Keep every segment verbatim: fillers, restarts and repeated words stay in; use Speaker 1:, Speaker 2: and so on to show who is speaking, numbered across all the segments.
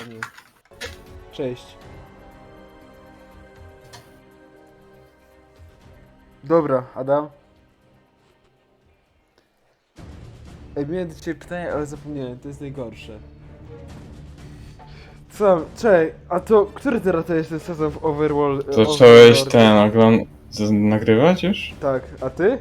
Speaker 1: pewnie. Cześć. Dobra, Adam. Ej, miałem do ciebie pytanie, ale zapomniałem, to jest najgorsze. Co? Czekaj, a to który teraz to jest ten sezon w Overworld?
Speaker 2: To zacząłeś ten ogląd... z- nagrywać już?
Speaker 1: Tak, a ty?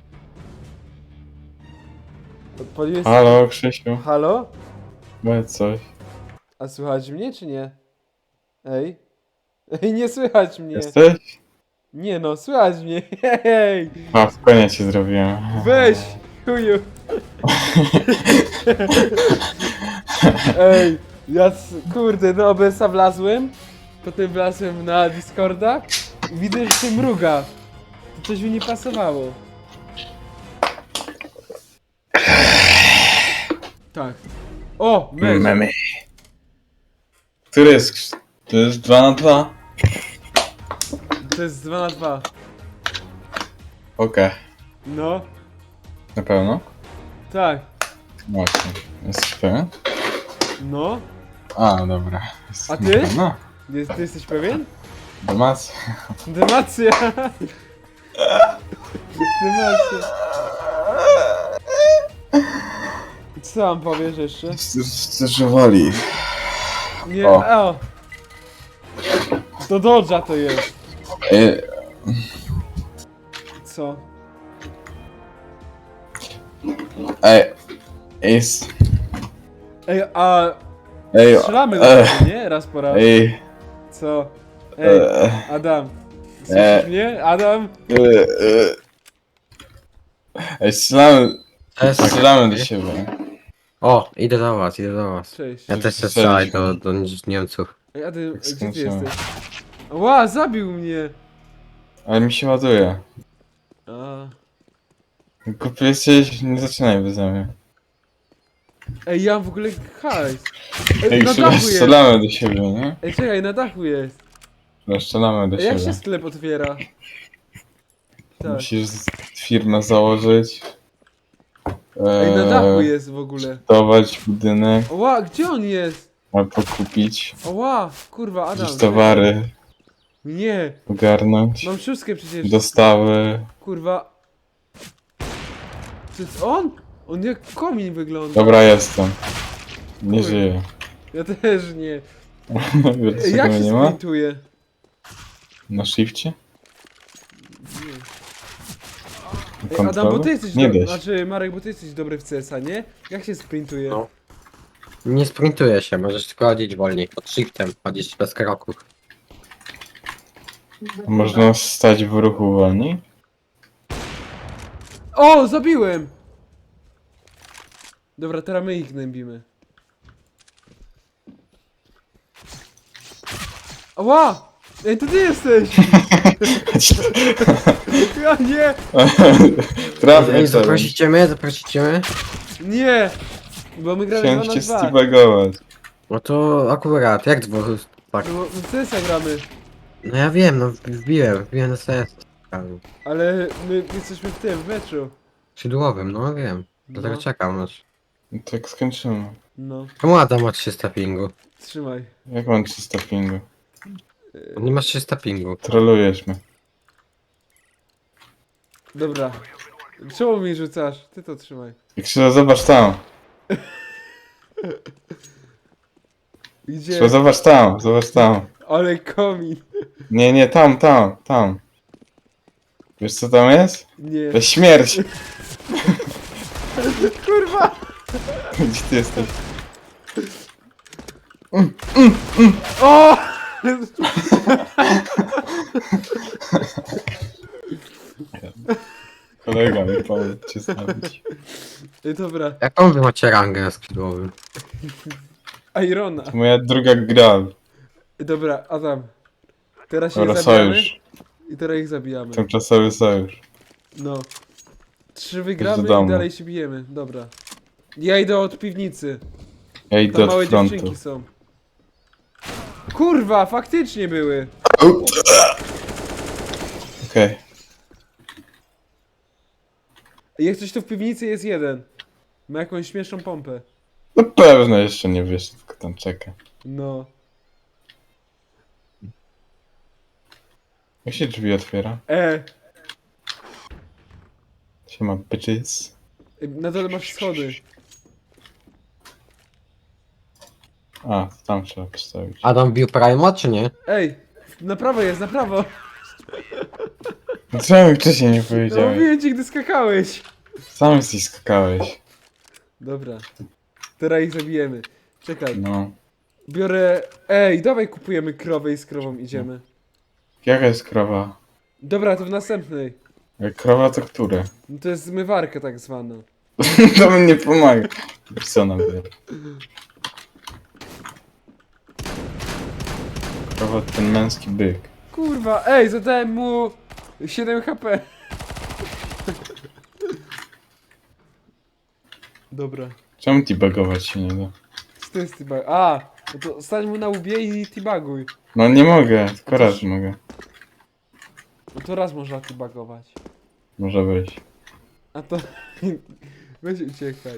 Speaker 1: Odpaliłeś...
Speaker 2: Halo, Krzysiu,
Speaker 1: Halo?
Speaker 2: powiedz coś.
Speaker 1: A słychać mnie, czy nie? Ej? Ej, nie słychać mnie.
Speaker 2: Jesteś?
Speaker 1: Nie no, słychać mnie. Hej!
Speaker 2: A, spokojnie ci zrobiłem.
Speaker 1: Weź! Chuju! Ej, ja s- kurde, do O B S-a wlazłem, potem wlazłem na Discorda i widzę, że się mruga. To coś mi nie pasowało. Tak. O, mecz!
Speaker 2: Memy. Który jest? Krz- To jest dwa na dwa?
Speaker 1: To jest dwa na dwa.
Speaker 2: Okej,
Speaker 1: No,
Speaker 2: na pewno?
Speaker 1: tak.
Speaker 2: Właśnie. Jesteś pewien?
Speaker 1: No.
Speaker 2: A, dobra. Jest
Speaker 1: A ty?
Speaker 2: No,
Speaker 1: Jest, ty jesteś pewien?
Speaker 2: Demacja.
Speaker 1: Demacja! Demacja. Co mam powiesz jeszcze?
Speaker 2: Zdecydowali.
Speaker 1: Nie,
Speaker 2: O.
Speaker 1: o! Do Dodge'a to jest.
Speaker 2: Ej,
Speaker 1: Co?
Speaker 2: ej, jest.
Speaker 1: Ej, a
Speaker 2: Ej,
Speaker 1: strzelamy do
Speaker 2: e,
Speaker 1: tego, nie? Raz po raz.
Speaker 2: ej,
Speaker 1: Co? Ej,
Speaker 2: e,
Speaker 1: Adam.
Speaker 2: e.
Speaker 1: Słyszysz mnie? Adam?
Speaker 2: e, e. Ej, strzelamy,
Speaker 3: Cześć.
Speaker 2: strzelamy do siebie.
Speaker 3: O, idę do was, idę do was.
Speaker 1: Cześć.
Speaker 3: Ja też chcę strzelać do, do Niemców.
Speaker 1: Ej, Adam,
Speaker 2: Tak
Speaker 1: gdzie ty
Speaker 2: skończyłem.
Speaker 1: jesteś? Ła, zabił mnie!
Speaker 2: Ale mi się ładuje.
Speaker 1: A.
Speaker 2: Głupi jesteś, nie zaczynaj beze mnie.
Speaker 1: Ej, ja mam w ogóle hajs. Ej,
Speaker 2: Ej,
Speaker 1: na
Speaker 2: strzelamy,
Speaker 1: dachu jest!
Speaker 2: strzelamy do siebie, nie?
Speaker 1: Ej, czekaj, na dachu jest.
Speaker 2: No, strzelamy do
Speaker 1: Ej, jak
Speaker 2: siebie.
Speaker 1: się sklep otwiera? Tak.
Speaker 2: Musisz z- firmę założyć.
Speaker 1: Ej, na dachu
Speaker 2: Eee,
Speaker 1: jest w ogóle.
Speaker 2: budować budynek,
Speaker 1: Ła, gdzie on jest?
Speaker 2: albo kupić,
Speaker 1: Ła, kurwa, Adam.
Speaker 2: gdzieś towary,
Speaker 1: Nie,
Speaker 2: ogarnąć,
Speaker 1: mam szóstkę przecież.
Speaker 2: dostawy.
Speaker 1: Kurwa. To jest on? On jak komin wygląda.
Speaker 2: Dobra, jestem. Nie
Speaker 1: Chuj.
Speaker 2: żyję.
Speaker 1: Ja też nie.
Speaker 2: Wiesz,
Speaker 1: Ej,
Speaker 2: czego
Speaker 1: jak
Speaker 2: mnie
Speaker 1: się
Speaker 2: nie ma?
Speaker 1: sprintuje?
Speaker 2: Na shifcie?
Speaker 1: Nie. Ej, Adam, bo
Speaker 2: Kontrolu?
Speaker 1: ty jesteś
Speaker 2: Nie
Speaker 1: dobry.
Speaker 2: da się.
Speaker 1: Znaczy, Marek, bo ty jesteś dobry w C S a, nie? Jak się sprintuje?
Speaker 3: No. Nie sprintuje się, możesz tylko chodzić wolniej. Pod shiftem, chodzić bez kroków.
Speaker 2: Można stać w ruchu wolniej?
Speaker 1: O, zabiłem! Dobra, teraz my ich gnębimy. Ała! Ej, to ty jesteś! Ja nie!
Speaker 2: Trafię
Speaker 3: Ej,
Speaker 2: sobie.
Speaker 3: zaprosicie mnie, zaprosicie mnie?
Speaker 1: Nie! Bo my gramy
Speaker 2: Chciałem
Speaker 1: dwa na
Speaker 2: cię
Speaker 1: dwa.
Speaker 2: steabagować.
Speaker 3: No to akurat, jak dwóch, tak.
Speaker 1: No, w C S a gramy.
Speaker 3: No ja wiem, no wbiłem, wbiłem na sens.
Speaker 1: Ale my jesteśmy w tym, w meczu.
Speaker 3: Skrzydłowym, no wiem. Dlatego
Speaker 1: No,
Speaker 3: czekam aż.
Speaker 2: No tak skończymy.
Speaker 1: no,
Speaker 3: Czemu Adam ma trzysta pingu?
Speaker 1: trzymaj.
Speaker 2: Jak mam trzysta pingu?
Speaker 3: On nie ma trzysta pingu.
Speaker 2: Trolujesz mnie.
Speaker 1: Dobra. Czemu mi rzucasz? Ty to trzymaj.
Speaker 2: Krzyża, zobacz tam.
Speaker 1: Gdzie?
Speaker 2: Krzyża, zobacz tam, zobacz tam.
Speaker 1: Ale komin.
Speaker 2: Nie, nie, tam, tam, tam. Wiesz co tam jest?
Speaker 1: Nie.
Speaker 2: To śmierć.
Speaker 1: Kurwa!
Speaker 2: Gdzie ty jesteś?
Speaker 1: O!
Speaker 2: Kolega mi pomógł cię zabić.
Speaker 1: Ej, dobra.
Speaker 3: Jaką wy macie rangę na skrzydłowym?
Speaker 1: Irona.
Speaker 2: To moja druga gra.
Speaker 1: Ej, dobra, Adam. Teraz się
Speaker 2: Dobra,
Speaker 1: zabijamy
Speaker 2: sojusz.
Speaker 1: i teraz ich zabijamy.
Speaker 2: Tymczasowy sojusz.
Speaker 1: No. Trzy
Speaker 2: do
Speaker 1: wygramy i
Speaker 2: domu.
Speaker 1: dalej się bijemy. Dobra. Ja idę od piwnicy.
Speaker 2: Ja idę
Speaker 1: Tam
Speaker 2: od
Speaker 1: małe
Speaker 2: frontu.
Speaker 1: dziewczynki są. Kurwa, faktycznie były.
Speaker 2: Okej.
Speaker 1: Jak coś to w piwnicy jest jeden. Ma jakąś śmieszną pompę.
Speaker 2: No pewno jeszcze nie wiesz, tylko tam czeka.
Speaker 1: No.
Speaker 2: Jak się drzwi otwiera?
Speaker 1: E,
Speaker 2: Siema, bitches.
Speaker 1: na dole masz schody.
Speaker 2: A, to tam trzeba postawić.
Speaker 3: Adam bił Primo, czy nie?
Speaker 1: Ej, na prawo jest, na prawo.
Speaker 2: No czemu mi wcześniej nie
Speaker 1: No
Speaker 2: powiedziałeś?
Speaker 1: mówiłem ci, gdy skakałeś.
Speaker 2: Sam jesteś skakałeś.
Speaker 1: Dobra. Teraz ich zabijemy. Czekaj,
Speaker 2: No.
Speaker 1: biorę... Ej, dawaj kupujemy krowę i z krową idziemy.
Speaker 2: Jaka jest krowa?
Speaker 1: Dobra, to w następnej.
Speaker 2: Jak krowa to które?
Speaker 1: No to jest zmywarka tak zwana.
Speaker 2: To mi nie pomaga. Co nam wie? Krowa to ten męski byk.
Speaker 1: Kurwa, ej, zadałem mu siedem H P. Dobra.
Speaker 2: Czemu ti bagować się nie da?
Speaker 1: Co to jest tibag? A, no to stań mu na łbie i tibaguj.
Speaker 2: No nie mogę, tylko raz mogę.
Speaker 1: No to raz można tibagować.
Speaker 2: Może być.
Speaker 1: A to... Weź uciekaj.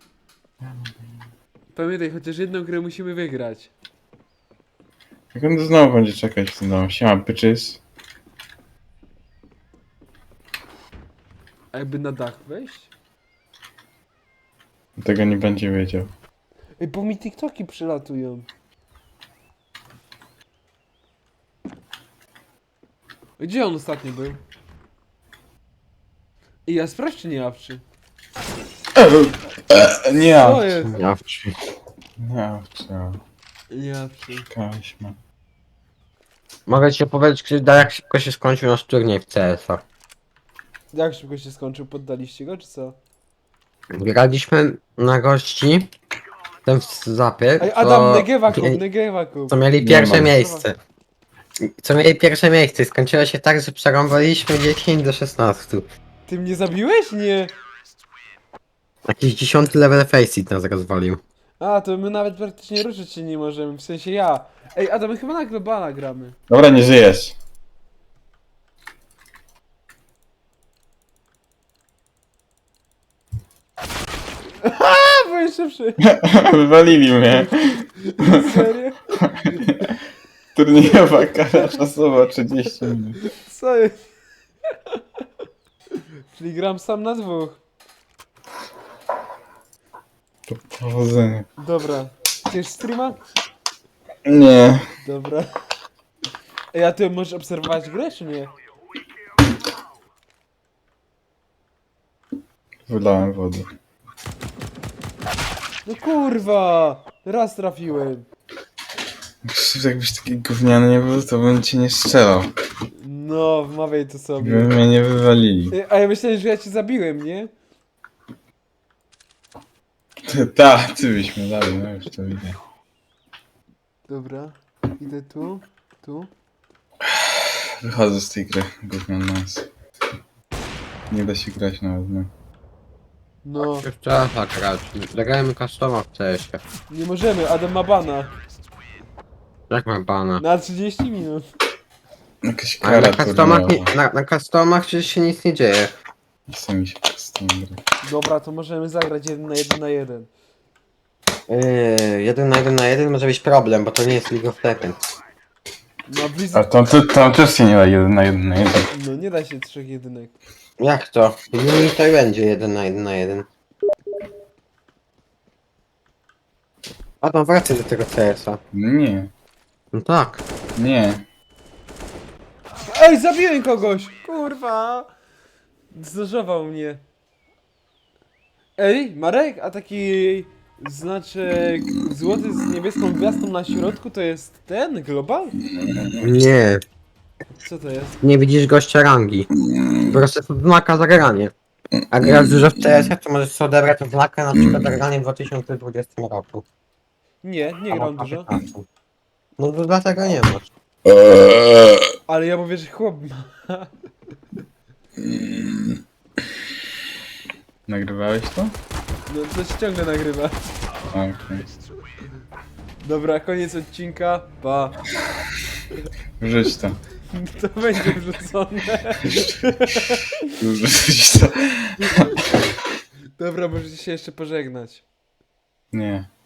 Speaker 1: Pamiętaj, chociaż jedną grę musimy wygrać.
Speaker 2: Jak on znowu będzie czekać w tym domu? Siema, bitches.
Speaker 1: A jakby na dach wejść?
Speaker 2: Tego nie będzie wiedział.
Speaker 1: Ej, bo mi TikToki przylatują. Gdzie on ostatnio był? I ja sprawdź czy nie awczy.
Speaker 2: Nie,
Speaker 1: Co jest?
Speaker 3: Ja wczy.
Speaker 2: nie, co?
Speaker 1: Nie awczy.
Speaker 2: Czekaliśmy.
Speaker 3: Mogę ci opowiedzieć, Krzyda, jak szybko się skończył nasz turniej w C S a.
Speaker 1: Jak szybko się skończył? Poddaliście go czy co?
Speaker 3: Graliśmy na gości, ten w zapie,
Speaker 1: Ej, Adam,
Speaker 3: co,
Speaker 1: Negewa kup,
Speaker 3: mie-
Speaker 1: Negewa kup.
Speaker 3: co mieli
Speaker 2: Nie
Speaker 3: pierwsze
Speaker 2: mam.
Speaker 3: miejsce. Co mieli pierwsze miejsce i skończyło się tak, że przerąbaliśmy dziesięć do szesnastu.
Speaker 1: Ty mnie zabiłeś? Nie.
Speaker 3: Jakiś dziesiąty level Faceit nas rozwalił.
Speaker 1: A, to my nawet praktycznie ruszyć się nie możemy, w sensie ja. Ej, Adam, my chyba na globala gramy.
Speaker 2: Dobra, nie żyjesz.
Speaker 1: A, byłeś szybszy.
Speaker 2: Wywalili mnie.
Speaker 1: Serio?
Speaker 2: Turniejowa kara czasowa trzydzieści minut.
Speaker 1: Co jest? Czyli gram sam na dwóch.
Speaker 2: To powodzenie.
Speaker 1: Dobra. Chcesz streama?
Speaker 2: Nie.
Speaker 1: Dobra. Ej, a ty możesz obserwować grę, czy nie?
Speaker 2: Wylałem wodę.
Speaker 1: No kurwa! Raz trafiłem.
Speaker 2: Jakbyś taki gówniany nie był, to bym cię nie strzelał.
Speaker 1: No, wmawiaj to
Speaker 2: By
Speaker 1: sobie.
Speaker 2: mnie nie wywalili.
Speaker 1: Ej, a ja myślałem, że ja cię zabiłem, nie?
Speaker 2: Tak, ty byś mnie dali, no już to widzę.
Speaker 1: Dobra. Idę tu, tu.
Speaker 2: Wychodzę z tej gry, gówniany nas. Nie da się grać nawet, no.
Speaker 1: No,
Speaker 3: Już trzeba tak grać. Zagrajmy customa w C S ie.
Speaker 1: nie możemy, Adam ma bana.
Speaker 3: Jak ma bana?
Speaker 1: Na trzydzieści minut.
Speaker 2: Jakaś
Speaker 3: Ale
Speaker 2: kara
Speaker 3: na customach, nie,
Speaker 2: turniejowa.
Speaker 3: na, na customach przecież się nic nie dzieje.
Speaker 2: Nie chce mi się przez tą grę.
Speaker 1: Dobra, to możemy zagrać jeden na jeden na jeden.
Speaker 3: Yy, jeden na jeden na jeden może być problem, bo to nie jest League of Legends.
Speaker 1: No,
Speaker 2: A
Speaker 1: Blizzard...
Speaker 2: tam, tam też się nie da jeden na jeden na jeden.
Speaker 1: No, nie da się trzech jedynek.
Speaker 3: Jak to? Mini to i będzie jeden na jeden na jeden. Adam, wracaj do tego C S a.
Speaker 2: Nie,
Speaker 3: No tak.
Speaker 2: nie.
Speaker 1: Ej, zabiłem kogoś! Kurwa! Zdarzował mnie. Ej, Marek, a taki znaczek złoty z niebieską gwiazdą na środku to jest ten? Global?
Speaker 3: Nie,
Speaker 1: Co to jest?
Speaker 3: nie widzisz gościa rangi. Po prostu to znaka za granie. A grasz dużo w C S a, to możesz sobie odebrać znakę na przykład za granie w dwa tysiące dwudziestym roku.
Speaker 1: Nie, nie gram
Speaker 3: Albo
Speaker 1: dużo.
Speaker 3: piętnastym. No to dlatego nie masz.
Speaker 1: Ale ja mówię, że chłop ma.
Speaker 2: Nagrywałeś to?
Speaker 1: No coś ciągle nagrywa.
Speaker 2: Okej.
Speaker 1: Dobra, koniec odcinka. Pa.
Speaker 2: Wrzuć to.
Speaker 1: To będzie wrzucone.
Speaker 2: Wrzuć to.
Speaker 1: Dobra, możecie się jeszcze pożegnać.
Speaker 2: Nie.